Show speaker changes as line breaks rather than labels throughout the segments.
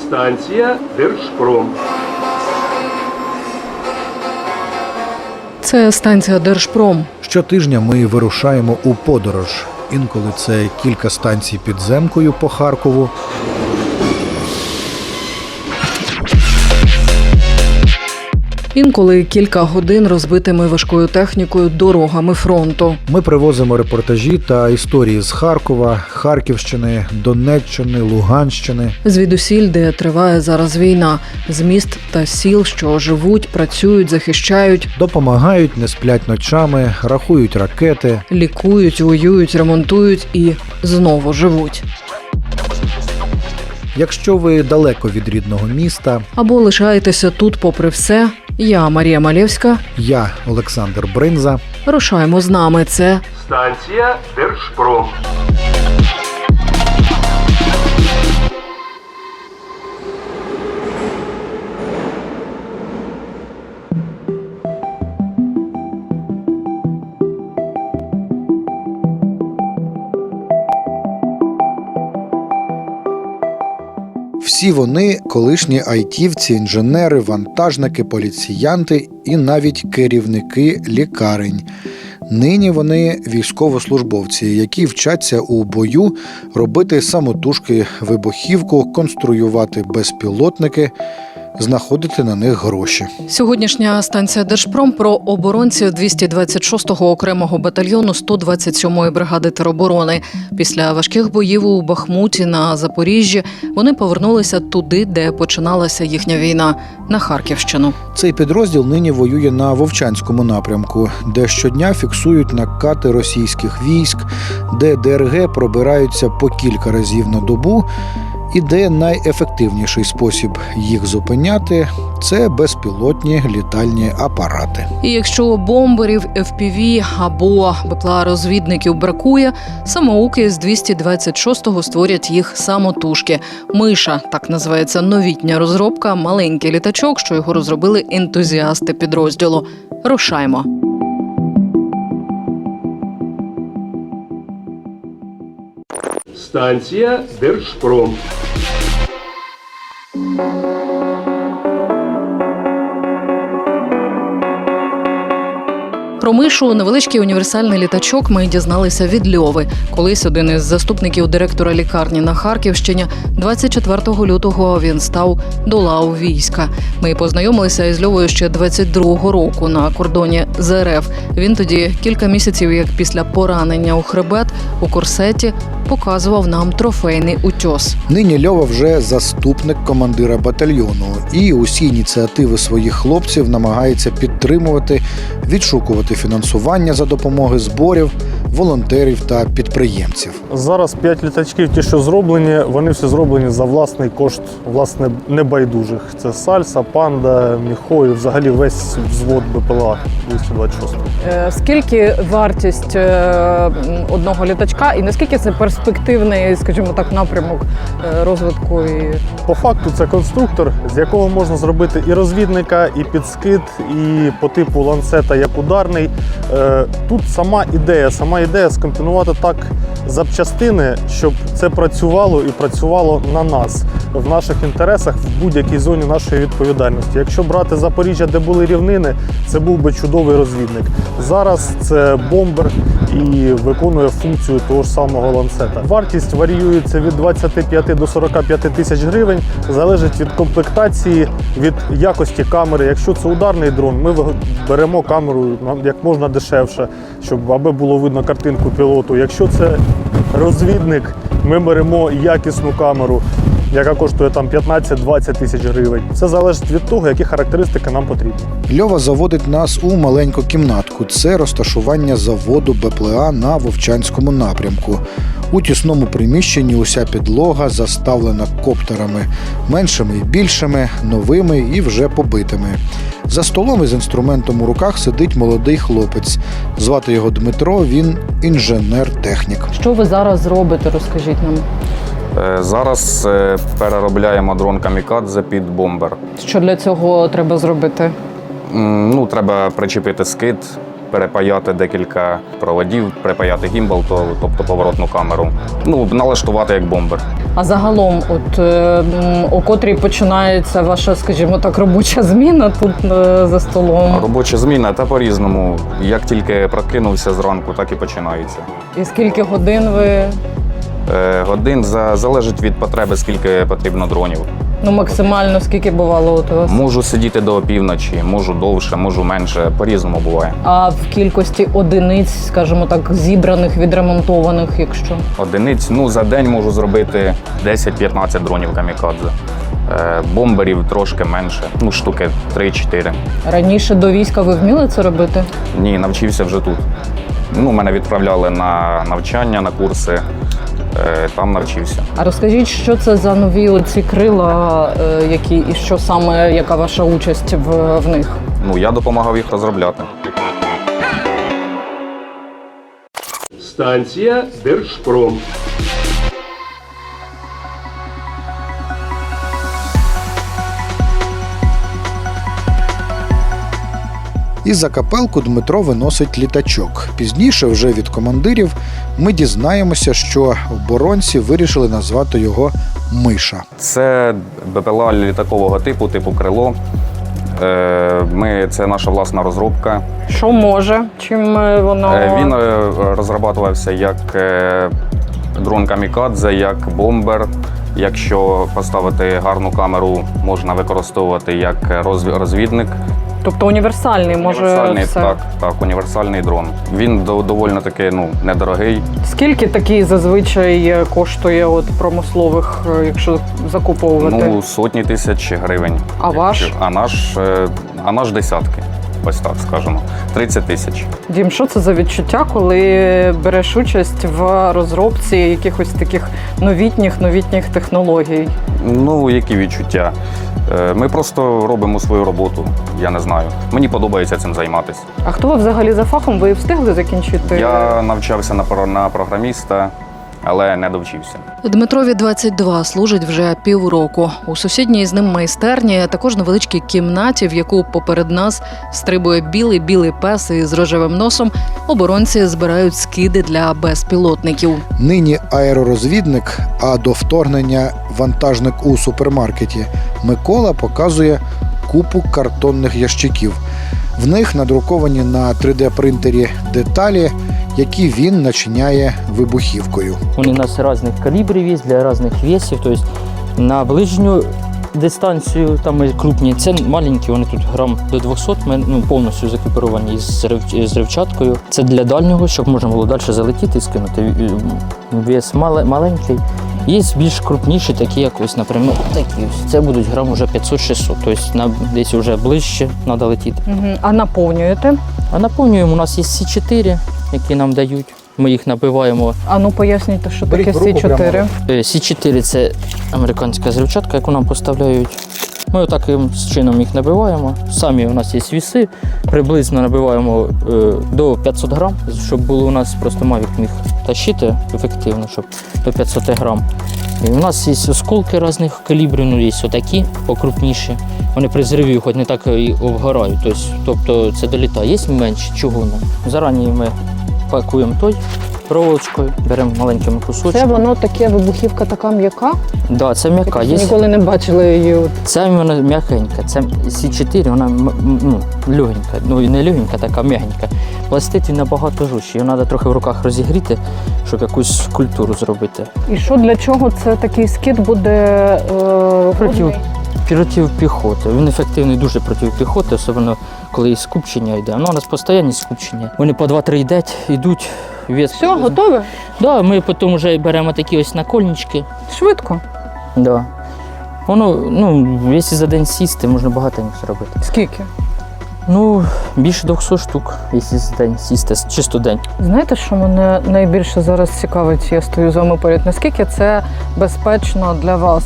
Станція Держпром.
Це станція Держпром.
Щотижня ми вирушаємо у подорож. Інколи це кілька станцій підземкою по Харкову.
Інколи кілька годин розбитими важкою технікою дорогами фронту.
Ми привозимо репортажі та історії з Харкова, Харківщини, Донеччини, Луганщини.
Звідусіль, де триває зараз війна. З міст та сіл, що живуть, працюють, захищають,
Допомагають, не сплять ночами, рахують ракети.
лікують, воюють, ремонтують і знову живуть.
Якщо ви далеко від рідного міста,
Або лишаєтеся тут попри все. Я Марія Малєвська.
я Олександр Бринза.
Рушаємо з нами. Це
Станція Держпром.
Всі вони – колишні айтівці, інженери, вантажники, поліціянти і навіть керівники лікарень. Нині вони військовослужбовці, які вчаться у бою робити самотужки вибухівку, конструювати безпілотники, знаходити на них гроші.
сьогоднішня станція Держпром про оборонців 226-го окремого батальйону 127-ї бригади тероборони. Після важких боїв у Бахмуті на Запоріжжі вони повернулися туди, де починалася їхня війна – на Харківщину.
Цей підрозділ нині воює на Вовчанському напрямку, де щодня фіксують накати російських військ, де ДРГ пробираються по кілька разів на добу, і де найефективніший спосіб їх зупиняти – це безпілотні літальні апарати.
І якщо бомберів, FPV або БПЛА-розвідників бракує, самоуки з 226-го створять їх самотужки. «Миша» – так називається новітня розробка, маленький літачок, що його розробили ентузіасти підрозділу. Рушаймо.
Станція Держпром.
Про «Мишу» – невеличкий універсальний літачок – ми дізналися від Льови. Колись один із заступників директора лікарні на Харківщині. 24 лютого він став до лав війська. Ми познайомилися із Льовою ще 22-го року на кордоні з РФ. Він тоді кілька місяців, як після поранення у хребет, у корсеті, показував нам трофейний утьос.
Нині Льова вже заступник командира батальйону і усі ініціативи своїх хлопців намагається підтримувати, відшукувати фінансування за допомоги зборів, волонтерів та підприємців.
Зараз 5 літачків, ті, що зроблені, вони всі зроблені за власний кошт, власне, небайдужих. Це Сальса, Панда, Міхо і взагалі весь взвод БПЛА 226.
Скільки вартість одного літачка і наскільки це перспективний, скажімо так, напрямок розвитку?
По факту це конструктор, з якого можна зробити і розвідника, і підскид, і по типу ланцета як ударний. Тут сама ідея скомпонувати так запчастини, щоб це працювало і працювало на нас, в наших інтересах, в будь-якій зоні нашої відповідальності. Якщо брати Запоріжжя, де були рівнини, це був би чудовий розвідник. Зараз це бомбер і виконує функцію того ж самого ланцета. Вартість варіюється від 25 до 45 тисяч гривень, залежить від комплектації, від якості камери. Якщо це ударний дрон, ми беремо камеру як можна дешевше, щоб аби було видно картинку пілоту. Якщо це розвідник, ми беремо якісну камеру, яка коштує там 15-20 тисяч гривень. Все залежить від того, які характеристики нам потрібні.
Льова заводить нас у маленьку кімнатку. Це розташування заводу БПЛА на Вовчанському напрямку. У тісному приміщенні уся підлога заставлена коптерами. Меншими і більшими, новими і вже побитими. За столом із інструментом у руках сидить молодий хлопець. Звати його Дмитро, він інженер-технік.
Що ви зараз робите, розкажіть нам?
Зараз переробляємо дрон «Камікадзе» під бомбер.
Що для цього треба зробити?
Треба причепити скид, перепаяти декілька проводів, припаяти гімбал, тобто поворотну камеру. Ну, налаштувати як бомбер.
А загалом, о котрій починається ваша, скажімо так, робоча зміна тут за столом?
Робоча зміна та по-різному. Як тільки прокинувся зранку, так і починається.
І скільки годин ви?
Годин залежить від потреби, скільки потрібно дронів.
Ну, максимально скільки бувало от у вас?
Можу сидіти до опівночі, можу довше, можу менше, по-різному буває.
А в кількості одиниць, скажімо так, зібраних, відремонтованих, якщо?
Одиниць, ну, за день можу зробити 10-15 дронів камікадзе. Бомберів трошки менше, ну, штуки 3-4.
Раніше до війська ви вміли це робити?
Ні, навчився вже тут. Ну, мене відправляли на навчання, на курси, там навчився.
А розкажіть, що це за нові оці крила, які і що саме, яка ваша участь в них?
Ну, я допомагав їх розробляти.
Станція Держпром.
Із-за капелку Дмитро виносить літачок. Пізніше, вже від командирів, ми дізнаємося, що оборонці вирішили назвати його «Миша».
Це БПЛА літакового типу крило. Це наша власна розробка.
Що може? Чим воно?
Він розроблювався як дрон камікадзе, як бомбер. Якщо поставити гарну камеру, можна використовувати як розвідник.
Тобто універсальний,
Універсальний,
все?
Так, універсальний дрон. Він доволі таки недорогий.
Скільки такий зазвичай коштує от промислових, якщо закуповувати?
Ну, сотні тисяч гривень.
А ваш?
А наш десятки. Ось так скажемо. 30 тисяч.
Дім, що це за відчуття, коли береш участь в розробці якихось таких новітніх технологій?
Ну, які відчуття? Ми просто робимо свою роботу, я не знаю. Мені подобається цим займатися.
А хто ви взагалі за фахом? Ви встигли закінчити?
Я навчався на програміста, але не довчився.
Дмитрові 22, служить вже півроку. У сусідній з ним майстерні, також невеличкій кімнаті, в яку поперед нас стрибує білий пес із рожевим носом, оборонці збирають скиди для безпілотників.
Нині аеророзвідник, а до вторгнення вантажник у супермаркеті, Микола показує купу картонних ящиків. В них надруковані на 3D-принтері деталі, які він начиняє вибухівкою.
Вони у нас різних калібрів є, для різних весів. Тобто на ближню дистанцію, там і крупні, це маленькі, вони тут грам до 200, ми повністю закіпіровані з взривчаткою. Це для дальнього, щоб можна було далі залетіти і скинути. Вес маленький. Є більш крупніші, такі як ось, наприклад, такі ось. Це будуть грам вже 500-600, тобто десь вже ближче треба летіти.
А наповнюєте?
А наповнюємо, у нас є С4, які нам дають. Ми їх набиваємо.
А ну поясніть, що таке С4?
С4 – це американська зривчатка, яку нам поставляють. Ми таким чином їх набиваємо. Самі у нас є віси, приблизно набиваємо до 500 грам, щоб було у нас просто Mavic міг тащити ефективно, щоб до 500 грам. І у нас є осколки різних калібрів, ну є отакі покрупніші. Вони при зриві хоч не так і обгорають, тобто це долітає. Є менші чугунні. Зарані ми пакуємо той проволочкою, беремо маленькими кусочками.
Це воно таке, вибухівка така м'яка?
Да, це м'яка.
Ніколи не бачила її.
Це вона м'якенька. Це С4, вона легенька. Ну і не легенька, така м'ягенька. Пластит він набагато жорсткий. Його треба трохи в руках розігріти, щоб якусь культуру зробити.
І що для чого це такий скид буде?
Проти піхоти. Він ефективний дуже проти піхоти, особливо коли скупчення йде. Ну, у нас постійні скупчення. Вони по 2-3 йдуть.
Все, готове?
Да, ми потім вже беремо такі ось накольнички.
Швидко?
Да. Воно, якщо за день сісти, можна багатенько зробити.
Скільки?
Ну, більше 200 штук, якщо за день сісти, чисто день.
Знаєте, що мене найбільше зараз цікавить, я стою з вами поряд, наскільки це безпечно для вас?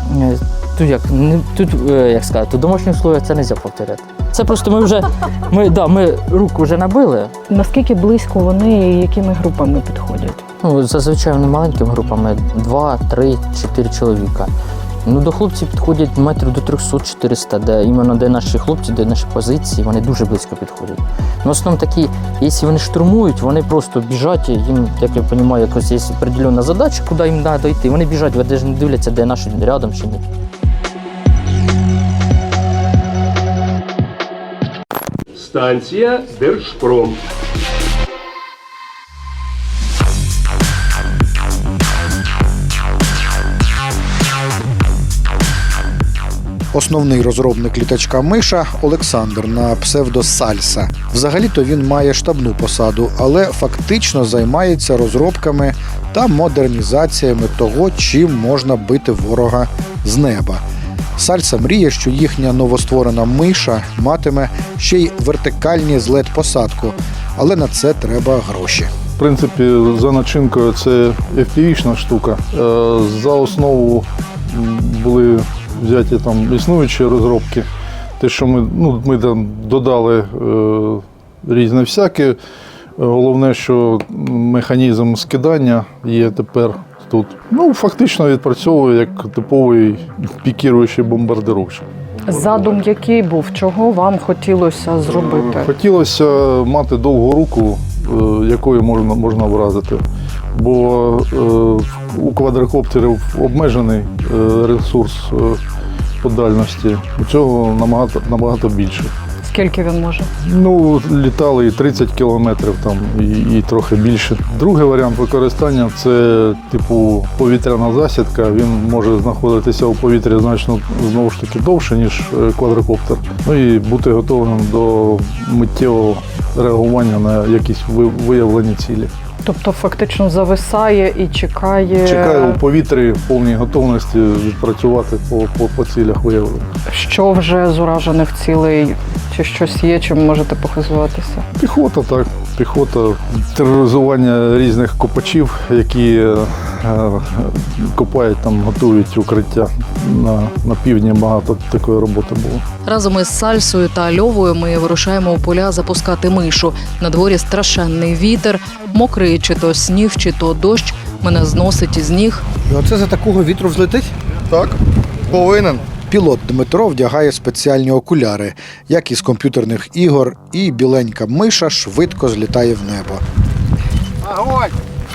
Тут, як сказати, у домашніх условиях це не можна повторяти. Це просто ми руку вже набили.
Наскільки близько вони і якими групами підходять?
Ну, зазвичай вони маленькими групами, 2, 3, 4 чоловіка. Ну, до хлопців підходять метрів до 300-400, де іменно де наші хлопці, де наші позиції, вони дуже близько підходять. Ну, в основному такі, якщо вони штурмують, вони просто біжать, їм, як я розумію, якось є определенна задача, куди їм треба дойти. Вони біжать, вони навіть не дивляться, де наші рядом чи ні.
Станція Держпром.
Основний розробник літачка «Миша» Олександр на псевдо Сальса. Взагалі-то він має штабну посаду, але фактично займається розробками та модернізаціями того, чим можна бити ворога з неба. Сальса мріє, що їхня новостворена «Миша» матиме ще й вертикальні злет-посадку, але на це треба гроші.
В принципі, за начинкою це FPV-шна штука. За основу були взяті там існуючі розробки. Те, що ми там додали різне всяке. Головне, що механізм скидання є тепер тут. Ну, фактично відпрацьовує як типовий пікіруючий бомбардировщик.
Задум який був? Чого вам хотілося зробити?
Хотілося мати довгу руку, якою можна вразити. Бо у квадрокоптерів обмежений ресурс по дальності. У цього набагато більше.
Скільки він може?
Ну, літали і 30 кілометрів там, і трохи більше. Другий варіант використання – це типу повітряна засідка. Він може знаходитися у повітрі значно знову ж таки довше, ніж квадрокоптер. Ну і бути готовим до миттєвого реагування на якісь виявлені цілі.
Тобто фактично зависає і чекає...
Чекаю у повітрі в повній готовності відпрацювати по цілях виявлення.
Що вже з уражених цілей? Чи щось є, чим можете похизуватися?
Піхота, так. Піхота, тероризування різних копачів, які копають там, готують укриття. На півдні багато такої роботи було.
Разом із Сальсою та Льовою ми вирушаємо у поля запускати мишу. На дворі страшенний вітер, мокрий чи то сніг, чи то дощ. Мене зносить із ніг.
І оце за такого вітру взлетить?
Так, повинен.
Пілот Дмитро вдягає спеціальні окуляри, як із комп'ютерних ігор, і біленька миша швидко злітає в небо.
Огонь!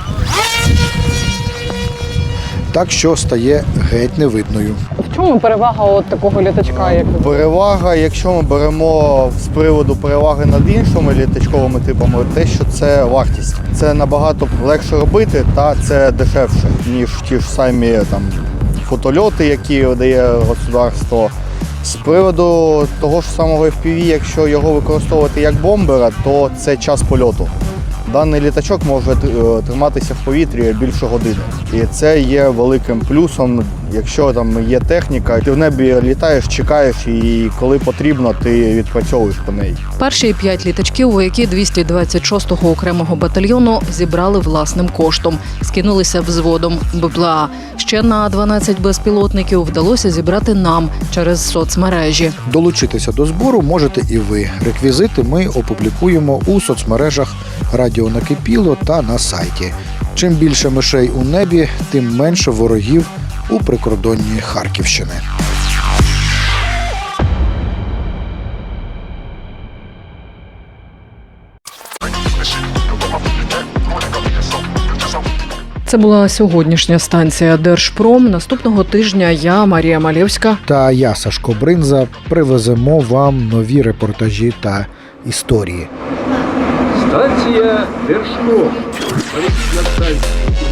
Так що стає геть невидною.
В чому перевага от такого літачка, як ви?
Перевага, якщо ми беремо з приводу переваги над іншими літачковими типами, те, що це вартість. Це набагато легше робити та це дешевше, ніж ті ж самі там фотольоти, які дає государство. З приводу того ж самого FPV, якщо його використовувати як бомбера, то це час польоту. Даний літачок може триматися в повітрі більше години. І це є великим плюсом, якщо там є техніка, ти в небі літаєш, чекаєш і коли потрібно, ти відпрацьовуєш по неї.
Перші 5 літачків вояки 226-го окремого батальйону зібрали власним коштом. Скинулися взводом БПЛА. Ще на 12 безпілотників вдалося зібрати нам через соцмережі.
Долучитися до збору можете і ви. Реквізити ми опублікуємо у соцмережах «Радіо Накипіло» та на сайті. Чим більше мишей у небі, тим менше ворогів у прикордонні Харківщини.
Це була сьогоднішня станція Держпром. Наступного тижня я, Марія Малєвська.
Та я, Сашко Бринза, привеземо вам нові репортажі та історії.
Станція Держпром. Повітряна станція.